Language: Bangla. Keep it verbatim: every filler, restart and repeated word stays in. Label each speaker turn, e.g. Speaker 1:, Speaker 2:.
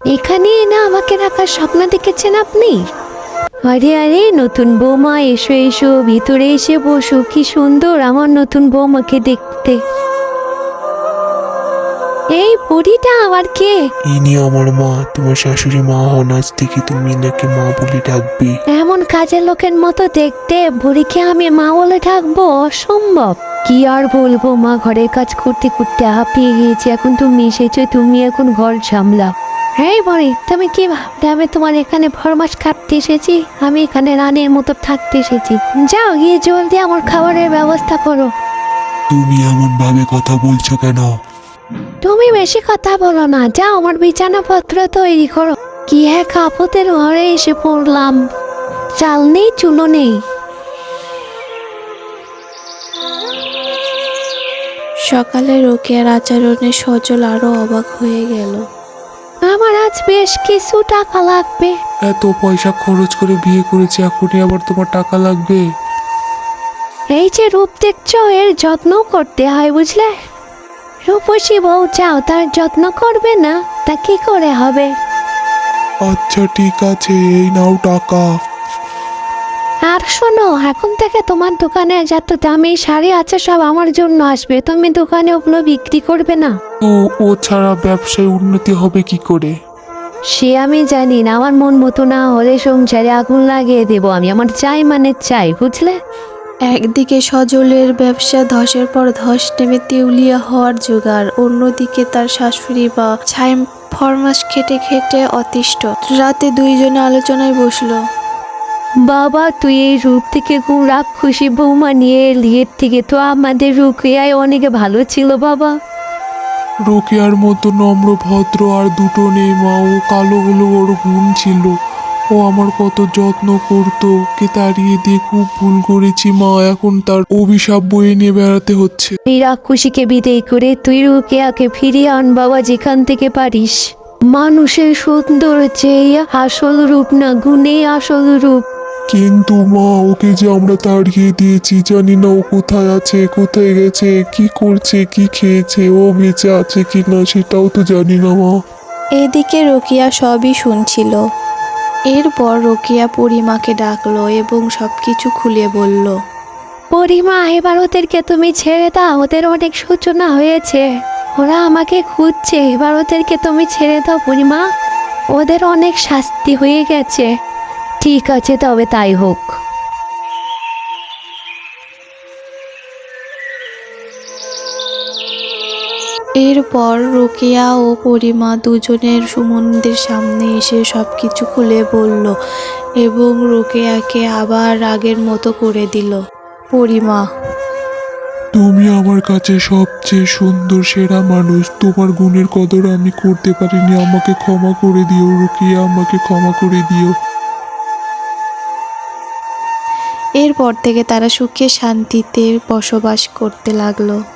Speaker 1: এখানে না আমাকে রাখার স্বপ্ন দেখেছেন আপনি? আরে আরে নতুন বৌমা, এসো এসো, ভিতরে এসে বসো। কি সুন্দর আমার নতুন বৌমাকে দেখতে। এই বুড়িটা আবার কে?
Speaker 2: ইনি আমার মা, তোমার শাশুড়ি মা হন। আজ থেকে তুমি এনাকে মা বলে ডাকবে।
Speaker 1: এমন কাজের লোকের মতো দেখতে বুড়িকে আমি মা বলে ডাকবো? অসম্ভব। কি আর বলবো মা, ঘরের কাজ করতে করতে হাঁপিয়ে গিয়েছি। এখন তুমি এসেছো, তুমি এখন ঘর সামলাও। হ্যাঁ বড়ি, তুমি কি ভাবলে আমি তোমার এখানে ফরমাস কাটতে এসেছি? আমি এখানে রানীর মতো থাকতে এসেছি। যাও গিয়ে জলদি আমার খাবারের ব্যবস্থা করো।
Speaker 2: তুমি এমন ভাবে কথা বলছো কেন?
Speaker 1: তুমি বেশি কথা বলো না, যাও আমার বিছানাপত্র তৈরি করো। কি এক আপদের ঘরে এসে পড়লাম, চাল নেই চুলো নেই।
Speaker 3: সকালে রোকেয়ার আচরণে সজল আরো অবাক হয়ে গেল।
Speaker 1: আমার আজ বেশ কিছু টাকা লাগবে।
Speaker 2: এত পয়সা খরচ করে বিয়ে করেছি, এখনই আবার তোমার টাকা লাগবে?
Speaker 1: এই যে রূপ দেখছো, এর যত্ন করতে হয় বুঝলে। রূপসী বউ চাও, তার যত্ন করবে না তা কি করে হবে?
Speaker 2: আচ্ছা ঠিক আছে, এই নাও টাকা।
Speaker 1: আর শোনো, এখন থেকে তোমার দোকানে যত দামি শাড়ি আছে সব আমার জন্য আসবে। তুমি দোকানে ওগুলো বিক্রি করবে না।
Speaker 2: তো ও ছাড়া ব্যবসায় উন্নতি হবে কি করে?
Speaker 1: সে আমি জানি না, আমার মন মতো না হলে সংসারে আগুন লাগিয়ে দেবো আমি। আমার চাই মানে চাই, বুঝলে।
Speaker 3: একদিকে সজলের ব্যবসা ধসের পর ধস নেমে তেউলিয়া হওয়ার জোগাড়, অন্যদিকে তার শাশুড়ি বা ছাইম ফরমাস খেটে খেটে অতিষ্ঠ। রাতে দুইজনে আলোচনায় বসলো।
Speaker 1: বাবা, তুই এই রূপ থেকে খুব রাগ খুশি বৌমা নিয়ে এলি। এর থেকে তো আমাদের রুকিয়ায় অনেক ভালো ছিল বাবা।
Speaker 2: রোকেয়ার মতো নম্র ভদ্র আর দুটো নেই মা। ও কালো হলো ওর গুণ ছিল। ও আমার কত যত্ন করতো, ওকে তাড়িয়ে দিয়ে খুব ভুল করেছি মা। এখন তার অভিশাপ বয়ে নিয়ে বেড়াতে হচ্ছে।
Speaker 1: এই রাগ খুশিকে বিদায় করে তুই রুকিয়াকে ফিরিয়ে আন বাবা, যেখান থেকে পারিস। মানুষের সুন্দর চেয়ে আসল রূপ না, গুণে আসল রূপ।
Speaker 2: কিন্তু মা, ওকে যে আমরা তাড়িয়ে দিয়েছি, জানি না ও কোথায় আছে, কোথায় গেছে, কি করছে, কি খেয়েছে, ও বেঁচে আছে কি না সেটাও তো জানি না মা।
Speaker 3: এদিকে রোকিয়া সবই শুনছিল। এরপর রোকিয়া পরিমাকে ডাকলো এবং সবকিছু খুলে বলল।
Speaker 1: পরিমা, এবার ওদেরকে তুমি ছেড়ে দাও। ওদের অনেক সূচনা হয়েছে, ওরা আমাকে খুঁজছে। এবার ওদেরকে তুমি ছেড়ে দাও পরিমা, ওদের অনেক শাস্তি হয়ে গেছে। ঠিক আছে, তবে তাই হোক।
Speaker 3: এরপর রোকেয়া ও পরিমা দুজনের সুমনদের সামনে এসে সবকিছু খুলে বলল এবং রোকেয়াকে আবার আগের মতো করে দিল। পরিমা,
Speaker 2: তুমি আমার কাছে সবচেয়ে সুন্দর সেরা মানুষ। তোমার গুণের কদর আমি করতে পারিনি, আমাকে ক্ষমা করে দিও রুকিয়া, আমাকে ক্ষমা করে দিও।
Speaker 3: এরপর থেকে তারা সুখে শান্তিতে বসবাস করতে লাগলো।